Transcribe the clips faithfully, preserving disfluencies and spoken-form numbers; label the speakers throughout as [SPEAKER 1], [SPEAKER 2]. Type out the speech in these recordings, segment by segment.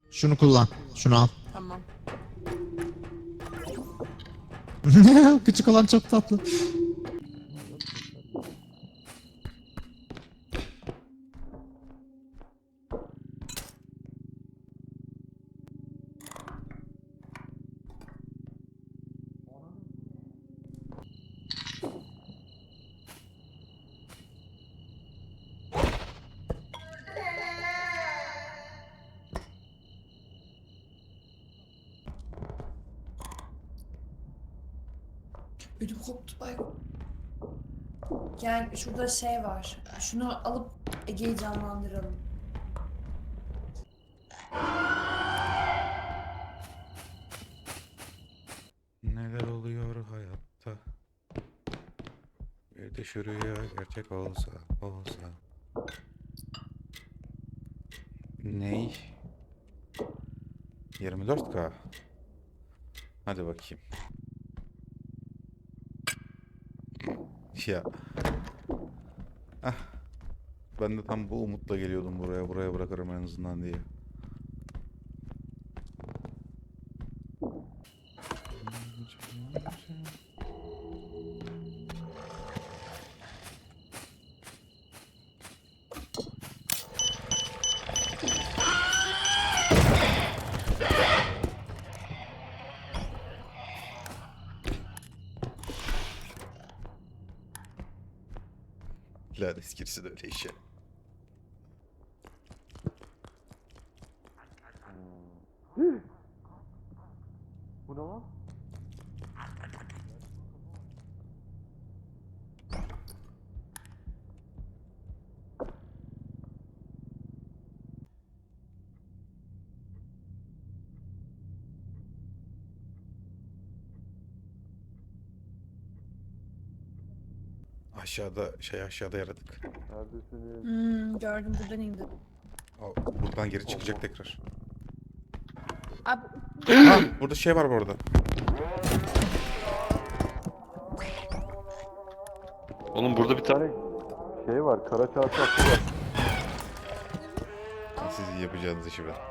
[SPEAKER 1] Şunu kullan. Şunu al.
[SPEAKER 2] Tamam.
[SPEAKER 1] Küçük olan çok tatlı.
[SPEAKER 2] Ödüm koptu bak. Gel şurada şey var. Şunu alıp Ege'yi canlandıralım.
[SPEAKER 3] Neler oluyor hayatta? Bir de şu rüya gerçek olsa, olsa. Ney? yirmi dört K. Hadi bakayım. Ya. Ah. Ben de tam bu umutla geliyordum buraya. Buraya bırakırım en azından diye. Lanet girisi de öyle işe.
[SPEAKER 4] Bu ne lan?
[SPEAKER 3] Aşağıda şey aşağıda yaratık.
[SPEAKER 4] Neredesiniz?
[SPEAKER 2] Hmm, gördüm buradan indi.
[SPEAKER 3] O, buradan geri çıkacak tekrar.
[SPEAKER 2] Abi
[SPEAKER 3] Ha, burada şey var bu arada.
[SPEAKER 4] Oğlum burada bir tane şey var, kara çarşaflı var.
[SPEAKER 3] Sizin yapacağınız işi ben.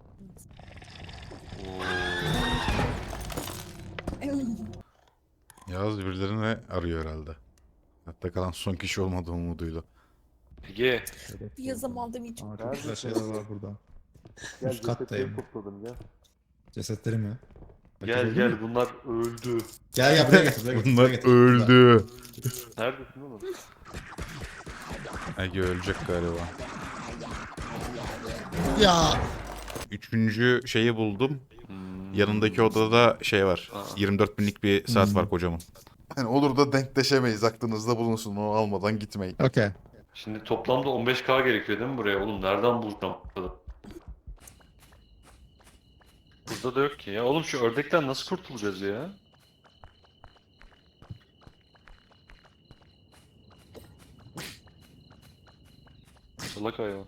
[SPEAKER 3] Yağız birilerini arıyor herhalde. Hatta kalan son kişi olmadığı umuduyla.
[SPEAKER 4] Ege.
[SPEAKER 2] bir yazım aldım hiç.
[SPEAKER 1] Aa, çok güzel şeyler var burada.
[SPEAKER 4] Gel
[SPEAKER 1] Üst kattayım.
[SPEAKER 4] cesetleri topladım gel.
[SPEAKER 1] Cesetleri mi?
[SPEAKER 4] Gel gel bunlar öldü.
[SPEAKER 1] Gel gel buraya getir. Buraya getir.
[SPEAKER 3] Bunlar
[SPEAKER 1] buraya getir.
[SPEAKER 3] öldü.
[SPEAKER 4] Neredesin oğlum?
[SPEAKER 3] Ege ölecek galiba.
[SPEAKER 1] Ya.
[SPEAKER 3] Üçüncü şeyi buldum.
[SPEAKER 4] Hmm.
[SPEAKER 3] Yanındaki odada şey var.
[SPEAKER 4] Aa.
[SPEAKER 3] yirmi dört binlik bir saat
[SPEAKER 1] Hmm.
[SPEAKER 3] var kocaman. Yani olur da denkleşemeyiz. Aklınızda bulunsun. Onu almadan gitmeyin.
[SPEAKER 1] Okey.
[SPEAKER 4] Şimdi toplamda on beş K gerekiyor değil mi buraya? Oğlum nereden bulacağım bu kadar? Burada da yok ki ya. Oğlum şu ördekten nasıl kurtulacağız ya? Salak ayağı.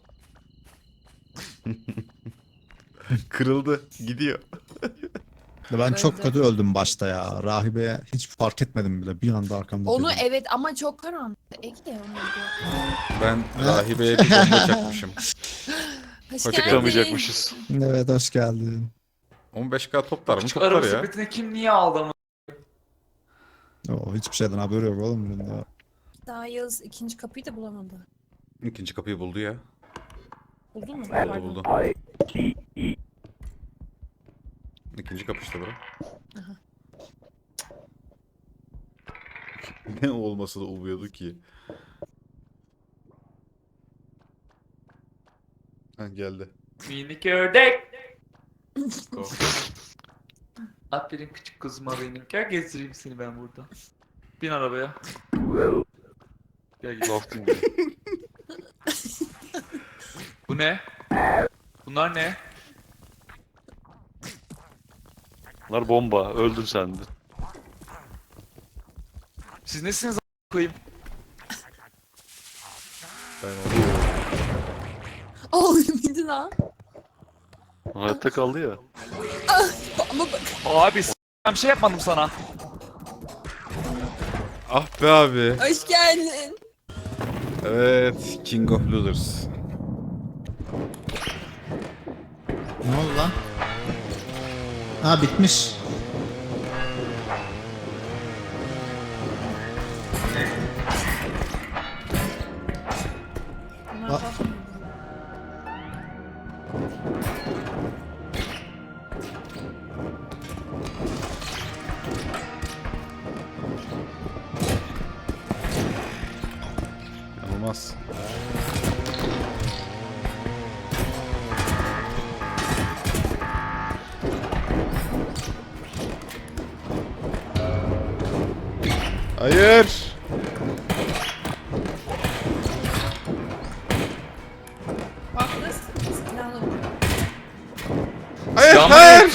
[SPEAKER 3] Kırıldı. Gidiyor.
[SPEAKER 1] Ben çok
[SPEAKER 2] Öldü.
[SPEAKER 1] kötü öldüm başta ya. Rahibeye hiç fark etmedim bile. Bir anda arkamda.
[SPEAKER 2] Onu
[SPEAKER 1] durdum.
[SPEAKER 2] evet ama çok karanlık. Ege onu diyor.
[SPEAKER 3] Ben rahibeye bir bomba çakmışım.
[SPEAKER 2] Hoş
[SPEAKER 3] Hoşça
[SPEAKER 4] Çıkamayacakmışız.
[SPEAKER 1] Evet hoş geldin.
[SPEAKER 3] on beş K toplar mı?
[SPEAKER 5] Küçük
[SPEAKER 3] Toplar
[SPEAKER 5] araba
[SPEAKER 3] ya.
[SPEAKER 5] sepetine kim niye aldı ama?
[SPEAKER 1] Oo, hiçbir şeyden haberi yok oğlum bunun ya.
[SPEAKER 2] Daha Yağız ikinci kapıyı da bulamadı.
[SPEAKER 3] İkinci kapıyı buldu ya.
[SPEAKER 2] Buldun mu?
[SPEAKER 3] Buldu
[SPEAKER 2] Pardon.
[SPEAKER 3] buldu. İkinci kapı işte bura. Ne olması da umuyordu ki. Ha geldi.
[SPEAKER 5] Minik ördek. Go. Aferin küçük kızıma benim. Gel gezdireyim seni ben burada. Bin arabaya. Gel gel.
[SPEAKER 4] Laf dinle.
[SPEAKER 5] Bu ne? Bunlar ne?
[SPEAKER 4] Bunlar bomba. Öldün sen de.
[SPEAKER 5] Siz nesiniz a**a koyayım?
[SPEAKER 3] Ben onu...
[SPEAKER 2] Oğlum indi lan.
[SPEAKER 4] Hayatta kaldı ya.
[SPEAKER 2] Ama bak.
[SPEAKER 5] Abi s*** ben bir şey yapmadım sana.
[SPEAKER 3] Ah be abi.
[SPEAKER 2] Hoş geldin.
[SPEAKER 3] Evet. King of Losers.
[SPEAKER 1] Ne oldu lan? Ha bitmiş.
[SPEAKER 2] Bunlar
[SPEAKER 1] Aa.
[SPEAKER 2] kalkmıyor.
[SPEAKER 3] Olmaz. Hayır.
[SPEAKER 2] Bak nasıl silahlı bu.
[SPEAKER 3] Hayır,
[SPEAKER 5] Silahım
[SPEAKER 3] hayır.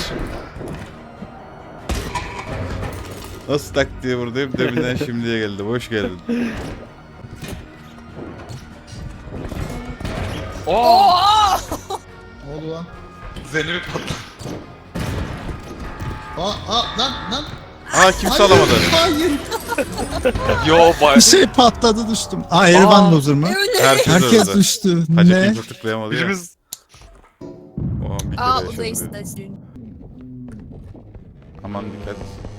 [SPEAKER 3] Nasıl tak diye buradayım deminden şimdiye geldi. Hoş geldin.
[SPEAKER 5] Oo!
[SPEAKER 1] Ne oldu lan?
[SPEAKER 5] Zeynep'i patladı.
[SPEAKER 1] Aa, aa lan lan.
[SPEAKER 3] Aa kimse
[SPEAKER 1] Hayır,
[SPEAKER 3] alamadı.
[SPEAKER 1] Hayır.
[SPEAKER 5] Yo bay.
[SPEAKER 1] Bir şey patladı düştüm. Aa Erivan loser mı?
[SPEAKER 3] Herkes,
[SPEAKER 1] Herkes
[SPEAKER 3] öldü.
[SPEAKER 1] düştü.
[SPEAKER 3] Hacı
[SPEAKER 1] Ne?
[SPEAKER 3] kimse tıklayamadı ya.
[SPEAKER 5] Birimiz
[SPEAKER 3] O an bir kere
[SPEAKER 2] Aa o
[SPEAKER 3] yaşadı.
[SPEAKER 2] da istasyonu.
[SPEAKER 3] Aman dikkat.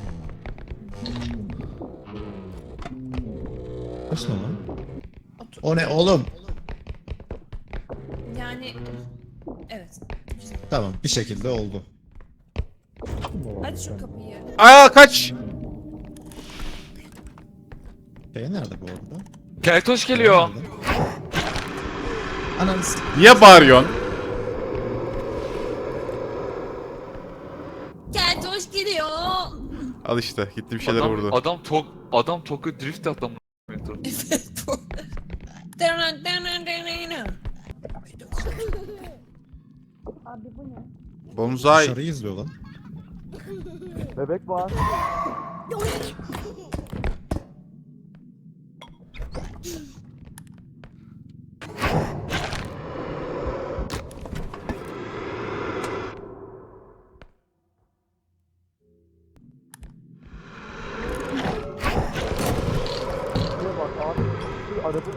[SPEAKER 1] Nasıl lan? O ne oğlum?
[SPEAKER 2] Yani evet.
[SPEAKER 1] Tamam bir şekilde oldu.
[SPEAKER 2] Aç şu kapıyı.
[SPEAKER 3] Aa kaç.
[SPEAKER 1] Şey nerede bu arada?
[SPEAKER 5] Keltoş geliyor.
[SPEAKER 1] Nerede? Ananı s-
[SPEAKER 3] Niye bağırıyorsun?
[SPEAKER 2] Gel hoş geliyor.
[SPEAKER 3] Al işte gitti bir şeyler
[SPEAKER 5] Adam,
[SPEAKER 3] vurdu.
[SPEAKER 5] adam tok adam Tokyo drift attı amına.
[SPEAKER 2] Evet bu. Dana, dana, dana, dana. Abi bu ne?
[SPEAKER 3] Bonzai.
[SPEAKER 1] Dışarıyı izliyor lan.
[SPEAKER 4] Bebek var. Şuraya bak abi. Bir araba.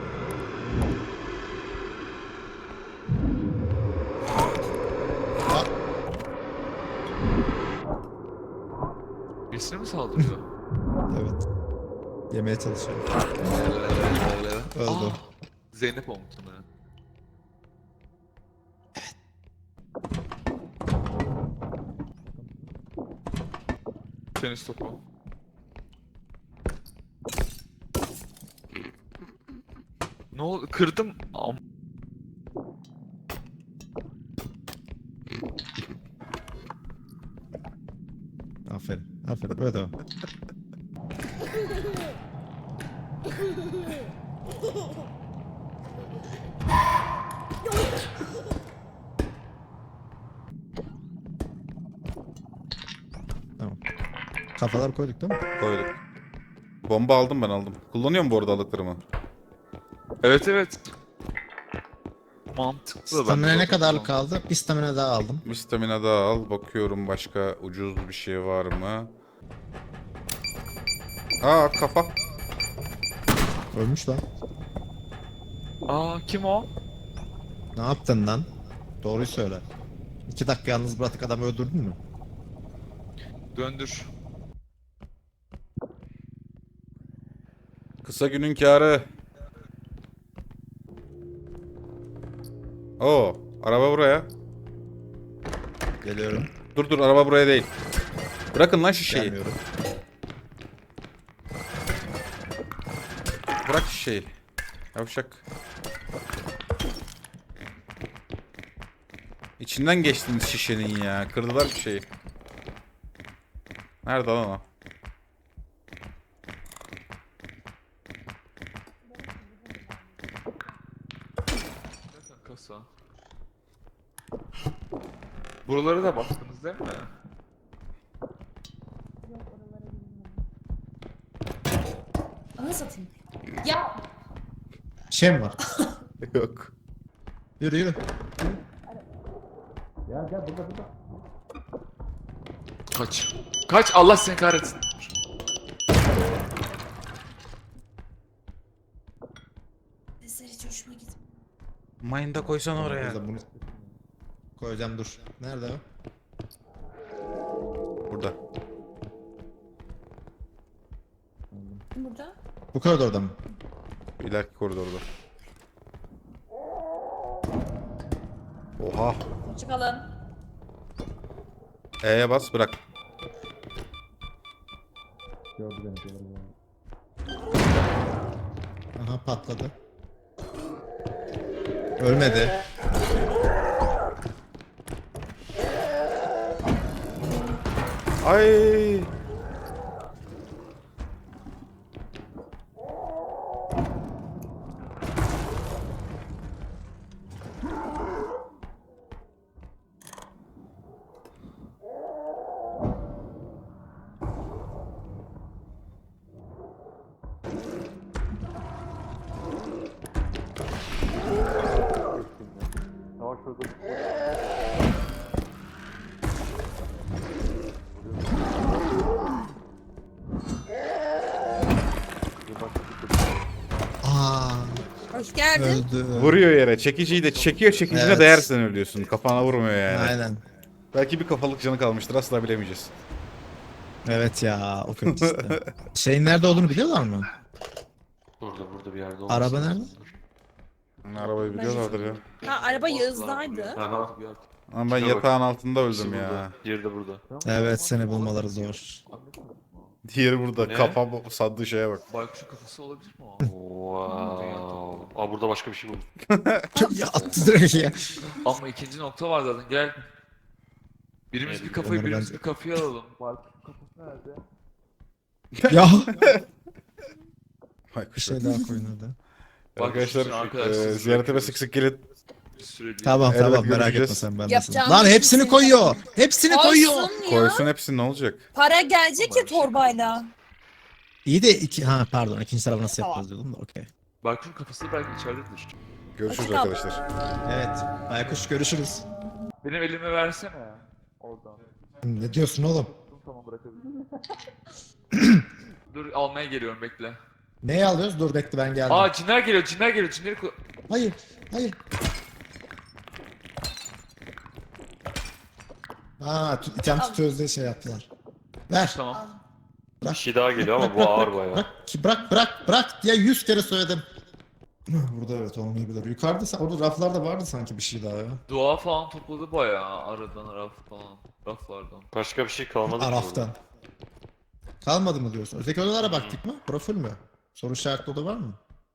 [SPEAKER 5] Birisine mi saldırıyor?
[SPEAKER 1] Evet. Yemeye çalışıyor. Öldü.
[SPEAKER 5] Aa, Zeynep olmuş sanırım. Tenis topu. Ne oldu? Kırdım. Am
[SPEAKER 1] Aferin. Aferin. Böyle devam. Tamam. Kafalar koyduk değil mi?
[SPEAKER 3] Koyduk. Bomba aldım ben aldım. Kullanıyorum bu arada aldıklarımı.
[SPEAKER 5] evet evet. Mantıklı. ben de
[SPEAKER 1] Stamina ne
[SPEAKER 5] zaten
[SPEAKER 1] kadarlık
[SPEAKER 5] kullandım.
[SPEAKER 1] kaldı? Bir stamina daha aldım.
[SPEAKER 3] Bir stamina daha al. Bakıyorum başka ucuz bir şey var mı? Aa kafa.
[SPEAKER 1] Ölmüş lan.
[SPEAKER 5] Aa kim o?
[SPEAKER 1] Ne yaptın lan? Doğruyu söyle. İki dakika yalnız bıraktık adamı öldürdün mü?
[SPEAKER 5] Döndür.
[SPEAKER 3] Kısa günün kârı. Oo, araba buraya.
[SPEAKER 1] Geliyorum.
[SPEAKER 3] Dur dur araba buraya değil. Bırakın lan şişeyi.
[SPEAKER 1] Gelmiyorum.
[SPEAKER 3] Bırak şişeyi. Yavşak. İçinden geçtiniz şişenin ya. Kırdılar bir şeyi. Nerede lan o?
[SPEAKER 5] Kasa. Buralara da baktınız değil mi?
[SPEAKER 2] Ana satayım. Ya
[SPEAKER 1] Bir şey mi var?
[SPEAKER 3] Yok.
[SPEAKER 1] Yürü yürü.
[SPEAKER 5] Kaç. Kaç Allah seni kahretsin.
[SPEAKER 2] sesler hiç hoşuma gitmiyor.
[SPEAKER 3] Mine'da koysan oraya.
[SPEAKER 1] Burada bunu- koyacağım dur. Nerede o?
[SPEAKER 3] Burada.
[SPEAKER 2] Burada.
[SPEAKER 1] Bu koridorda mı?
[SPEAKER 3] İleriki koridorda. Oha.
[SPEAKER 2] Çıkalım.
[SPEAKER 3] E'ye bas bırak.
[SPEAKER 1] Gördü beni gördü. Aha patladı. Ölmedi.
[SPEAKER 3] Ay.
[SPEAKER 4] Savaş orada.
[SPEAKER 1] Aa,
[SPEAKER 2] Hoş geldin.
[SPEAKER 1] öldü.
[SPEAKER 3] Vuruyor yere. Çekiciyi de çekiyor, çekicine
[SPEAKER 1] Evet.
[SPEAKER 3] değersen ölüyorsun. Kafana vurmuyor yani.
[SPEAKER 1] Aynen.
[SPEAKER 3] Belki bir kafalık canı kalmıştır, asla bilemeyeceğiz.
[SPEAKER 1] Evet ya, o kötü işte. Şeyin nerede olduğunu biliyorlar mı?
[SPEAKER 4] Burada burada bir yerde olması
[SPEAKER 1] Araba
[SPEAKER 4] lazım.
[SPEAKER 3] Hmm, Arabayı biliyorlardır ya.
[SPEAKER 2] Ha araba Yağız'daydı.
[SPEAKER 4] Aha.
[SPEAKER 3] Ama ben
[SPEAKER 4] Şuna bak.
[SPEAKER 3] yatağın altında öldüm
[SPEAKER 4] İkisi
[SPEAKER 3] ya.
[SPEAKER 4] burada. Diğeri de burada.
[SPEAKER 1] Evet, seni bulmaları zor.
[SPEAKER 3] Diğeri burada.
[SPEAKER 4] Ne?
[SPEAKER 3] Kafa sandığı şeye bak.
[SPEAKER 5] Baykuşun kafası olabilir mi o?
[SPEAKER 4] Wow. Aa burada başka bir şey buldum.
[SPEAKER 1] Ya attı direkt ya.
[SPEAKER 5] Ama ikinci nokta var zaten gel. Birimiz bir kafayı
[SPEAKER 1] Onları
[SPEAKER 5] birimiz
[SPEAKER 1] ben-
[SPEAKER 5] bir kafayı alalım. Baykuşun kafası nerede?
[SPEAKER 1] Ya.
[SPEAKER 3] Vay
[SPEAKER 1] Bir
[SPEAKER 3] kuş.
[SPEAKER 1] şey daha koyun hadi.
[SPEAKER 3] Arkadaşlar,
[SPEAKER 5] Arkadaşlar,
[SPEAKER 3] e, ziyaretime sık sık gelin.
[SPEAKER 5] Bir süre değil.
[SPEAKER 1] Tamam
[SPEAKER 3] Evet,
[SPEAKER 1] tamam merak
[SPEAKER 3] görüşeceğiz.
[SPEAKER 1] etme sen ben
[SPEAKER 2] Yapacağım
[SPEAKER 1] Lan
[SPEAKER 2] bir
[SPEAKER 1] hepsini
[SPEAKER 2] şey
[SPEAKER 1] koyuyor. Hepsini koyuyor.
[SPEAKER 2] Olsun ya.
[SPEAKER 3] Koysun hepsi ne olacak?
[SPEAKER 2] Para gelecek ya torbayla.
[SPEAKER 1] İyi de iki ha pardon ikinci tarafı nasıl yapacağız diyordum da okey.
[SPEAKER 5] Baykuşun kafası belki içeridedir.
[SPEAKER 3] Görüşürüz
[SPEAKER 2] Açık al.
[SPEAKER 3] arkadaşlar.
[SPEAKER 1] Evet. Baykuş görüşürüz.
[SPEAKER 5] Benim elimi versene. Oradan.
[SPEAKER 1] Ne diyorsun oğlum?
[SPEAKER 5] Tamam bırakabilirim. Dur almaya geliyorum bekle.
[SPEAKER 1] Neyi alıyoruz? Dur bekle ben geldim.
[SPEAKER 5] Aa cinler geliyor cinler geliyor cinleri ko-
[SPEAKER 1] Hayır. Hayır. Aa, tut, item tutuyoruz diye şey yaptılar. Ver.
[SPEAKER 5] Tamam.
[SPEAKER 4] Bir şey daha geliyor ama bu ağır bayağı.
[SPEAKER 1] Bırak, ki bırak, bırak, bırak diye yüz kere söyledim. Burada evet olmayabilir. Yukarıda sa- orada raflarda vardı sanki bir şey daha ya.
[SPEAKER 5] Dua falan topladı bayağı aradan raf falan. Raflardan.
[SPEAKER 4] Başka bir şey kalmadı ki burada.
[SPEAKER 1] Araftan. Kalmadı mı diyorsun? Öteki odalara baktık mı? Profil mü? Soru işaretli oda var mı?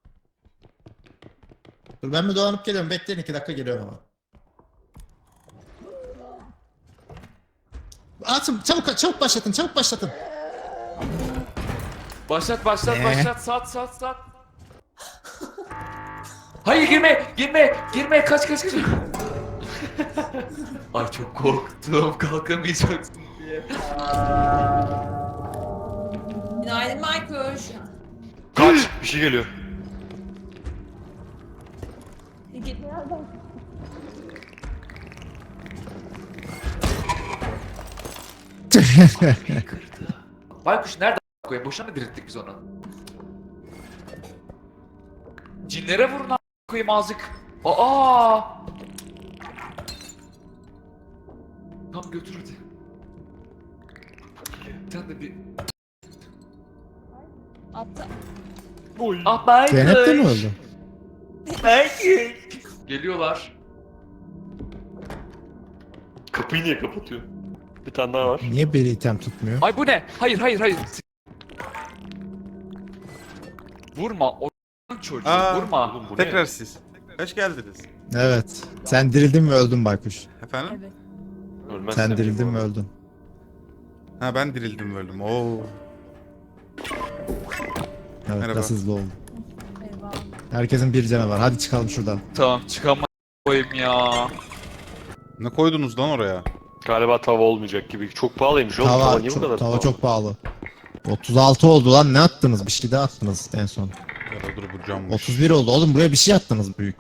[SPEAKER 1] Dur ben bir dolanıp geliyorum. Bekleyin iki dakika geliyorum ama. Atın çabuk çabuk başlatın çabuk başlatın.
[SPEAKER 5] Başlat başlat
[SPEAKER 1] Ne?
[SPEAKER 5] başlat sat sat sat. Hayır girme girme girme kaç kaç kaç. Ay çok korktum kalkamayacaksın diye.
[SPEAKER 2] Günaydın Maykuş.
[SPEAKER 4] Kaç! Bir şey geliyor.
[SPEAKER 2] Git.
[SPEAKER 5] Kırdı. Baykuş nerede koyayım? Boşuna mı dirilttik biz onu? Cinlere vurun a** koyayım azıcık. Aa! Tam götür hadi. Sen de bir...
[SPEAKER 2] Attı.
[SPEAKER 5] Ah Baykuş!
[SPEAKER 1] Zeynep de mi öldü?
[SPEAKER 5] Baykuş! Geliyorlar.
[SPEAKER 4] Kapıyı niye kapatıyor? Bir tane daha var.
[SPEAKER 1] Niye bir item tutmuyor?
[SPEAKER 5] Ay bu ne? Hayır hayır hayır. Vurma o çocuğu
[SPEAKER 3] Aa,
[SPEAKER 5] vurma.
[SPEAKER 4] Oğlum bu
[SPEAKER 3] Tekrar
[SPEAKER 4] ne?
[SPEAKER 3] siz. Hoş geldiniz.
[SPEAKER 1] Evet. Sen dirildin mi öldün Baykuş?
[SPEAKER 3] Efendim?
[SPEAKER 2] Evet.
[SPEAKER 4] Ölmezsem
[SPEAKER 1] Sen dirildin
[SPEAKER 4] iyi
[SPEAKER 1] mi
[SPEAKER 4] bu.
[SPEAKER 1] öldün?
[SPEAKER 3] Ha ben dirildim öldüm. Oo.
[SPEAKER 1] Evet
[SPEAKER 3] Merhaba.
[SPEAKER 1] biraz hızlı oldu.
[SPEAKER 2] Eyvah.
[SPEAKER 1] Herkesin bir canı var. Hadi çıkalım şuradan.
[SPEAKER 5] Tamam çıkama koyayım ya.
[SPEAKER 3] Ne koydunuz lan oraya?
[SPEAKER 4] Galiba tava olmayacak gibi. Çok pahalıymış oğlum. Tava,
[SPEAKER 1] Tava,
[SPEAKER 4] niye bu
[SPEAKER 1] çok,
[SPEAKER 4] kadar
[SPEAKER 1] tava
[SPEAKER 4] pahalı?
[SPEAKER 1] çok pahalı. otuz altı oldu lan ne attınız? Bir şey daha attınız en son.
[SPEAKER 3] Ya da dur bu cammış.
[SPEAKER 1] otuz bir oldu oğlum buraya bir şey attınız büyük.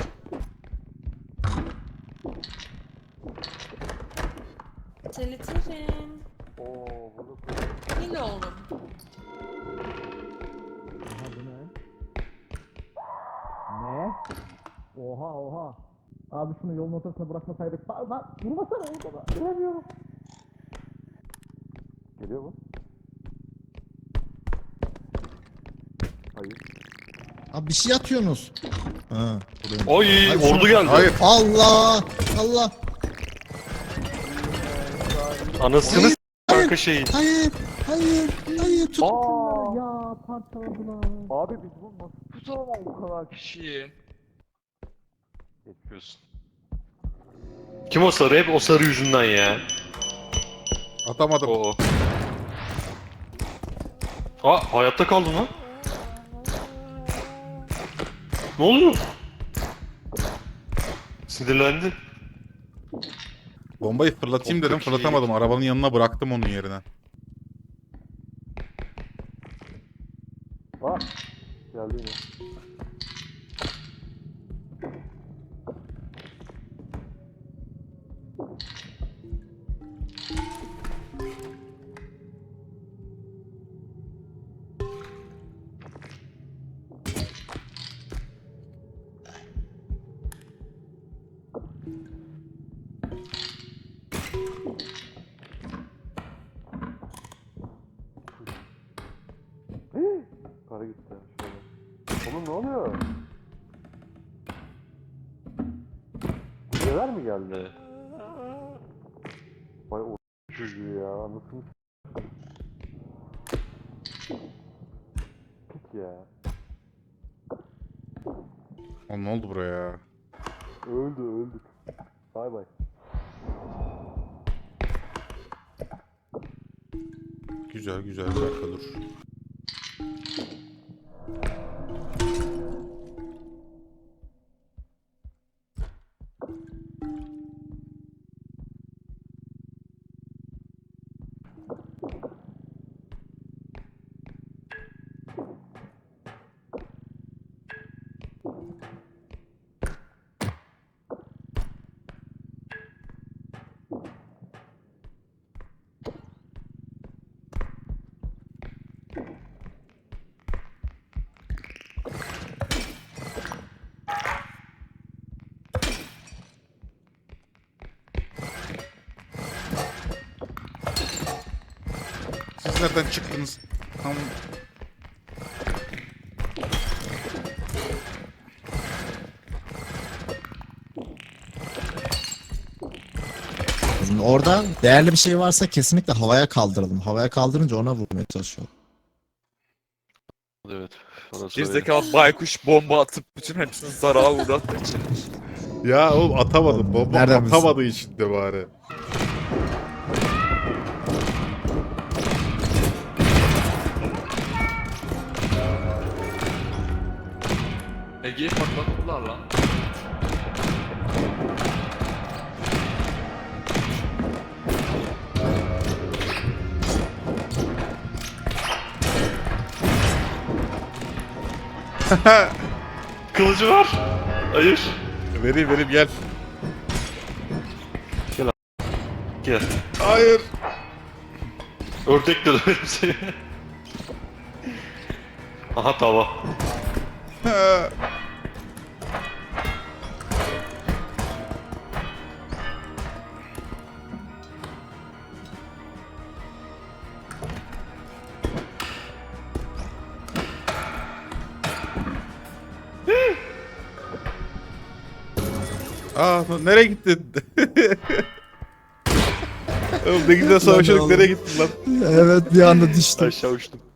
[SPEAKER 2] Çelitirim. Yine oğlum.
[SPEAKER 1] Ne? Oha oha. Abi şunu yolun ortasına bırakmasaydık. Lan lan vurmasana oğlum bana. Göremiyorum.
[SPEAKER 4] Geliyor mu? Hayır.
[SPEAKER 1] Abi bir şey atıyorsunuz. Ha. buradayım.
[SPEAKER 4] Oy
[SPEAKER 1] Hayır,
[SPEAKER 4] ordu
[SPEAKER 1] şunu-
[SPEAKER 4] geldi.
[SPEAKER 3] Hayır.
[SPEAKER 1] Allah! Allah!
[SPEAKER 4] Anasını
[SPEAKER 1] Hayır,
[SPEAKER 4] s- kanka şeyin.
[SPEAKER 1] Hayır! Hayır! Hayır! Tut!
[SPEAKER 4] Aa!
[SPEAKER 1] Ya parçaladılar.
[SPEAKER 4] Abi biz bu nasıl
[SPEAKER 5] Tutamam o kadar kişiyi.
[SPEAKER 4] yapıyorsun? Kim o sarı? Hep o sarı yüzünden ya.
[SPEAKER 3] Atamadım.
[SPEAKER 4] O. Aa hayatta kaldın lan. Ne oluyor? Sinirlendi.
[SPEAKER 3] Bombayı fırlatayım dedim,
[SPEAKER 4] Çok iyi.
[SPEAKER 3] fırlatamadım. Arabanın yanına bıraktım onun yerine.
[SPEAKER 4] Aa geldi yine. Para gitti şöyle. Oğlum ne oluyor? Kuzeler mi geldi? Vay o çocuğu ya anasını s- Pik ya.
[SPEAKER 3] Oğlum ne oldu buraya?
[SPEAKER 4] Öldü öldük. Bay bay.
[SPEAKER 3] Güzel güzel, bir dakika dur. Siz nereden çıktınız? Tam
[SPEAKER 1] Şimdi orada değerli bir şey varsa kesinlikle havaya kaldıralım. Havaya kaldırınca ona vurmaya çalışıyor.
[SPEAKER 4] Evet. Orası
[SPEAKER 5] Gerizekalı baykuş bomba atıp bütün hepsini zarağa uğrattığı için.
[SPEAKER 3] ya oğlum atamadım. Bomba
[SPEAKER 1] Nereden bilsin?
[SPEAKER 3] atamadığı için de bari.
[SPEAKER 5] Ege'yi patlattılar lan.
[SPEAKER 4] Kılıcı var. Hayır.
[SPEAKER 3] Vereyim vereyim, gel.
[SPEAKER 4] Gel.
[SPEAKER 3] Hayır.
[SPEAKER 4] Ördek de döverim seni. Aha tava.
[SPEAKER 3] Aa, nereye gittin? Oğlum ne güzel savaşıyorduk,
[SPEAKER 1] oğlum.
[SPEAKER 3] nereye gittin lan?
[SPEAKER 1] Evet bir anda düştü.
[SPEAKER 4] Aşağı uçtum.